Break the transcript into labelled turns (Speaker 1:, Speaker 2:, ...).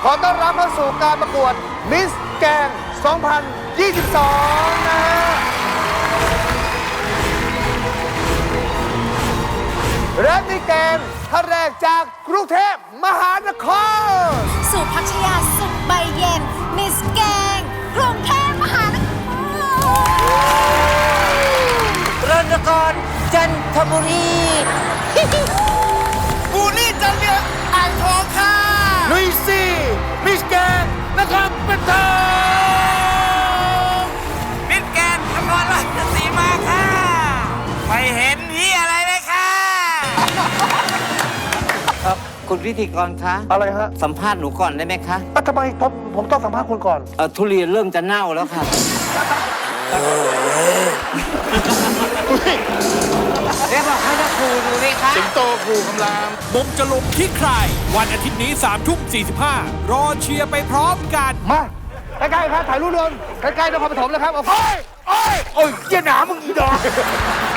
Speaker 1: อต้อนรับเข้าสู่การประกวดมิสแกน2022 นะฮะและมิสแกนท่านแรกจากกรุงเทพมหานคร
Speaker 2: สุพัชยาสุขใบเย็น มิสแกงกรุงเทพมหานคร
Speaker 3: รณกรจันทบุรี
Speaker 1: บูลี่จันเลียงอ่างทองค่ะลุยซี่มิสแกนนะครับเป็นทอง
Speaker 3: มิสแกนนครราชสีมาค่ะ ไม่เห็นที่อะไรเลยค่ะครับคุณพิธีกรคะ
Speaker 1: อะไรฮะ
Speaker 3: สัมภาษณ์หนูก่อนได้ไหมคะ
Speaker 1: ทำไมผมต้องสัมภาษณ์คุณก่อน
Speaker 3: ทุเรียนเริ่มจะเน่าแล้วค่ะเรียกบอกให้นักครูดูไหมคะ
Speaker 1: สิงโตครูคำราม
Speaker 4: มุมจะลงที่ใคร วันอาทิตย์นี้3:45 รอเชียร์ไปพร้อมกัน
Speaker 1: มาใกล้ๆครับถ่ายรูปรวมใกล้ๆนครปฐมแล้วครับโอ้ยเยี่ยหนามึงอีดอก